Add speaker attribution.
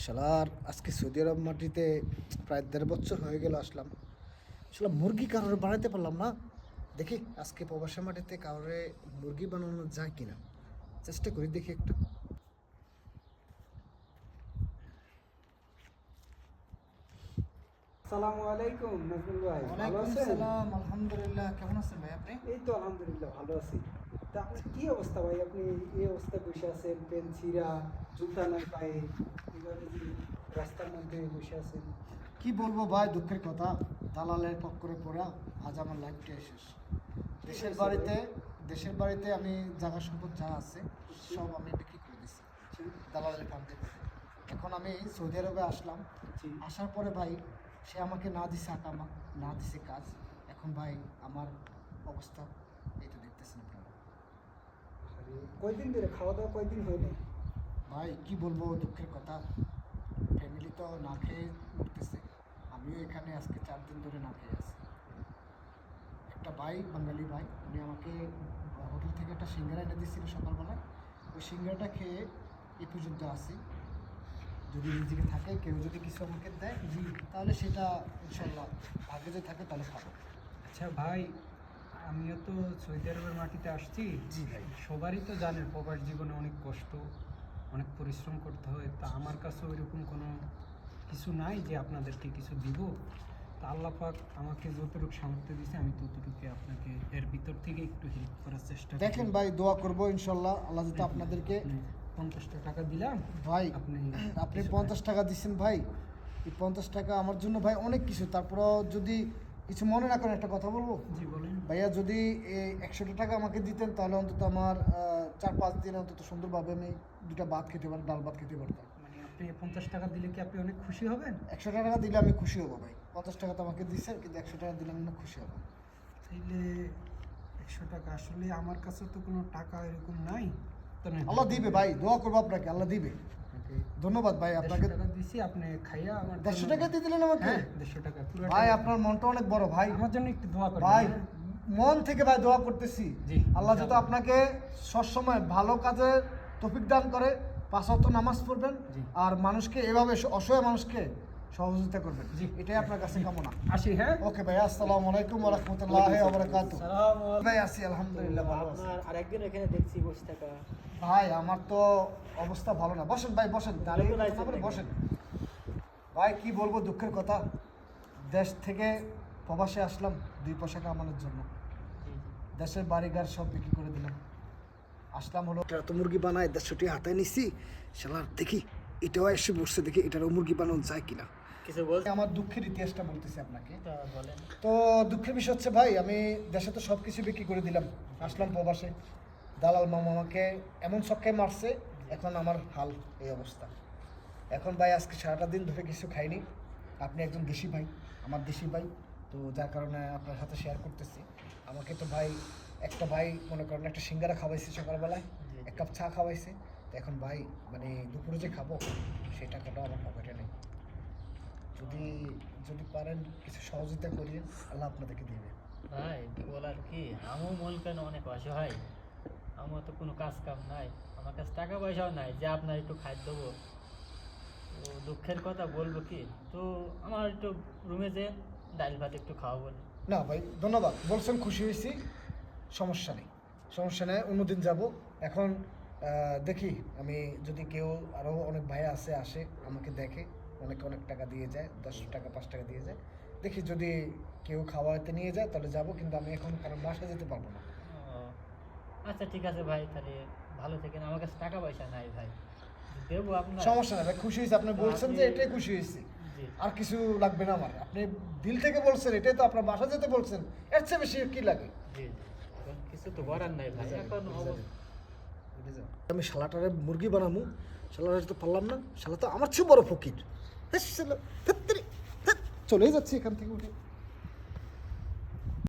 Speaker 1: শালার আজকে সৌদি আরব মাটিতে প্রায় ১.৫ বছর হয়ে গেল আসলাম। শালা মুরগি কারোর বানাতে পারলাম না। দেখি আজকে প্রবাসী মাটিতে কারোরে মুরগি বানানো যায় কিনা, চেষ্টা করি দেখি একটু।
Speaker 2: আসসালামু আলাইকুম নাজমুল ভাই, ভালো
Speaker 1: ওয়ালাইকুম
Speaker 2: আছেন?
Speaker 1: সালাম, আলহামদুলিল্লাহ। কেমন আছেন ভাই আপনি?
Speaker 2: এই তো আলহামদুলিল্লাহ ভালো আছি। তা আপনার কি অবস্থা ভাই? আপনি এই অবস্থায় বসে আছেন, পেন ছিঁড়া, জুতা নাই পায়ে, এইভাবে যে রাস্তার মধ্যে বসে আছেন।
Speaker 1: কি বলবো ভাই, দুঃখের কথা। দালালের পক্করে পড়া আজ আমার লাইফটাই শেষ। দেশের
Speaker 2: হয়েছে
Speaker 1: বাড়িতে
Speaker 2: ভাই?
Speaker 1: দেশের বাড়িতে আমি জায়গা সম্পদ যা আছে সব আমি বিক্রি করে দিচ্ছি
Speaker 2: জি,
Speaker 1: দালালের ফান্ডে। এখন আমি সৌদি আরবে আসলাম।
Speaker 2: জি।
Speaker 1: আসার পরে ভাই সে আমাকে না দিছে আকামা, না দিছে কাজ। এখন ভাই আমার অবস্থা এই তো দেখতেছেন আপনারা।
Speaker 2: আরে কয়দিন ধরে খাওয়া দাওয়া কয়দিন হয়নি?
Speaker 1: ভাই কি বলবো, দুঃখের কথা। ফ্যামিলি তো না খেয়ে মরতেছে, আমিও এখানে আজকে 4 দিন ধরে না খেয়ে আছি। একটা ভাই, বাঙালি ভাই, উনি আমাকে হোটেল থেকে একটা সিঙ্গারা এনে দিয়েছিল সকালবেলায়। ওই সিঙ্গারাটা খেয়ে এই পর্যন্ত আসি। যদি রিজিকে থাকে, কেউ যদি কিছু আমাকে দেয় জি, তাহলে সেটা ইনশাল্লাহ ভাগ্যে যদি থাকে তাহলে খাবো।
Speaker 3: আচ্ছা ভাই, আমিও তো সৌদি আরবের মাটিতে আসছি।
Speaker 1: জি ভাই।
Speaker 3: সবারই তো জানেন প্রবাস জীবনে অনেক কষ্ট, অনেক পরিশ্রম করতে হয়। তা আমার কাছে ওইরকম কোনো কিছু নাই যে আপনাদেরকে কিছু দিব। তা আল্লাহ পাক আমাকে যতটুকু সামর্থ্য দিয়েছে আমি ততটুকু আপনাকে এর ভিতর থেকে একটু হেল্প করার চেষ্টা করব।
Speaker 1: দেখেন ভাই, দোয়া করবো ইনশাল্লাহ আল্লাহ যাতে আপনাদেরকে।
Speaker 3: 50টা টাকা দিলাম
Speaker 1: ভাই
Speaker 3: আপনি
Speaker 1: আপনি
Speaker 3: কিছু
Speaker 1: 50 টাকা দিচ্ছেন ভাই, এই 50 টাকা আমার জন্য ভাই অনেক কিছু। তারপরও যদি কিছু মনে না করেন একটা কথা বলবো
Speaker 3: জি বলেন।
Speaker 1: ভাইয়া, যদি এই 100 টাকা আমাকে দিতেন তাহলে অন্তত আমার 4-5 দিন অন্তত সুন্দরভাবে আমি 2টা ভাত খেতে পারতাম, ডাল ভাত খেতে পারতাম।
Speaker 3: মানে আপনি 50 টাকা দিলে কি আপনি অনেক খুশি হবেন?
Speaker 1: 100 টাকা দিলে আমি খুশি হবো ভাই। 50 টাকা তো আমাকে দিচ্ছেন, কিন্তু 100 টাকা দিলে আমি না খুশি হবো।
Speaker 3: তাইলে 100 টাকা আসলে আমার কাছে তো কোনো টাকা এরকম নাই। তো না,
Speaker 1: আল্লাহ দিবে ভাই, দোয়া করবো আপনাকে, আল্লাহ দিবে।
Speaker 3: আপনাকে
Speaker 1: ধন্যবাদ ভাই
Speaker 3: 150
Speaker 1: আপনাকে।
Speaker 3: টাকা দিছি, আপনি খাইয়া আমার
Speaker 1: 150 টাকা দিয়ে দিলেন আমাকে?
Speaker 3: হ্যাঁ 150 টাকা পুরো
Speaker 1: ভাই আপনার মনটা অনেক বড় ভাই।
Speaker 3: আমার জন্য একটু দোয়া করবেন।
Speaker 1: ভাই
Speaker 3: হ্যাঁ?
Speaker 1: মন থেকে ভাই দোয়া করতেছি,
Speaker 3: জি,
Speaker 1: আল্লাহ যাতে
Speaker 3: ইনশাআল্লাহ।
Speaker 1: আপনাকে সবসময় ভালো কাজে তৌফিক দান করে, 5 ওয়াক্ত নামাজ পড়বেন,
Speaker 3: জি।
Speaker 1: আর মানুষকে এভাবে অসহায় মানুষকে সহযোগিতা করবেন।
Speaker 3: জি।
Speaker 1: এটাই আপনার কাছে কামনা।
Speaker 3: আসি। হ্যাঁ,
Speaker 1: ওকে ভাই, আসসালামু আলাইকুম ওয়া রাহমাতুল্লাহি ওয়া বারাকাতুহু। ভাই আছি আলহামদুলিল্লাহ, ভালো আছি।
Speaker 2: আপনার আরেকদিন এখানে দেখছি বসে থাকা।
Speaker 1: ভাই আমার তো অবস্থা ভালো না। বসেন ভাই, বসেন, দাঁড়িয়ে
Speaker 2: ভালো লাগছে
Speaker 1: কথা বলে
Speaker 2: নাকি?
Speaker 1: বসেন। ভাই কি বলবো, দুঃখের কথা। দেশ থেকে প্রবাসে আসলাম 2 পয়সা কামানোর জন্য। দেশের বাড়িঘর সব বিক্রি করে দিলাম, আসলাম হলো এত মুরগি বানায় 150টি হাতায় নিছি। শালার দেখি এটাও এসে বসছে, দেখি এটারও মুরগি বানানো যায় কিনা।
Speaker 2: কিছু বল।
Speaker 1: আমার দুঃখের ইতিহাসটা বলতেছি আপনাকে।
Speaker 2: বলেন।
Speaker 1: তো দুঃখের বিষয় হচ্ছে ভাই, আমি দেশে তো সব কিছু বিক্রি করে দিলাম, আসলাম প্রবাসে। দালাল মামা আমাকে এমন ছক্কায় মারছে, এখন আমার হাল এই অবস্থা। এখন ভাই আজকে সারাটা দিন ধরে কিছু খাইনি। আপনি একজন দেশি ভাই, আমার দেশি ভাই, তো যার কারণে আপনার সাথে শেয়ার করতেছি। আমাকে তো ভাই একটা ভাই মনে করেন একটা সিঙ্গারা খাওয়াইছে সকালবেলায়, 1 কাপ চা খাওয়াইছে। তো এখন ভাই মানে দুপুরে যে খাবো সেই টাকাটাও আমার পকেটে নেই। যদি যদি পারেন কিছু সহযোগিতা করিয়ে, আল্লাহ আপনাদেরকে দিবে।
Speaker 4: ভাই বলার কি, আমিও মন কেন অনেক অসহায়। আমার তো কোনো কাজ কাম নাই, আমার কাছে টাকা পয়সাও নাই যে আপনার একটু খাদ্য দেবো। তো দুঃখের কথা বলবো কি, তো আমার একটু রুমে যে ডাল ভাত একটু খাওয়াবো না?
Speaker 1: না ভাই ধন্যবাদ, বলছেন, খুশি হয়েছি। সমস্যা নেই, সমস্যা নেই, অন্যদিন যাব। এখন দেখি আমি যদি কেউ আরও অনেক ভাই আসে আমাকে দেখে, অনেকে অনেক টাকা দিয়ে যায়, 10 টাকা 5 টাকা দিয়ে যায়। দেখি যদি কেউ খাওয়াতে নিয়ে যায় তাহলে যাব, কিন্তু আমি এখন কারণ বাসায় যেতে পারবো না।
Speaker 4: ও, আচ্ছা ঠিক আছে ভাই, তাহলে ভালো থেকেন। আমার কাছে টাকা পয়সা নাই ভাই, দেবো আপনার।
Speaker 1: সমস্যা নেই ভাই, খুশি হয়েছি। আপনি বলছেন যে এটাই খুশি হয়েছি,
Speaker 4: জি
Speaker 1: আর কিছু লাগবে না আমার। আপনি দিল থেকে বলছেন, এটাই তো আপনার বাসা যেতে বলছেন, এর চেয়ে বেশি কি লাগে?
Speaker 4: জি জি, এখন কিছু তো করার নাই ভাই, এখন
Speaker 1: আমি শালাটারে মুরগি বানাবো, শালাটা তো পারলাম না। শালা তো আমার চেয়ে বড় ফকির। চলেই যাচ্ছি এখান থেকে উঠে।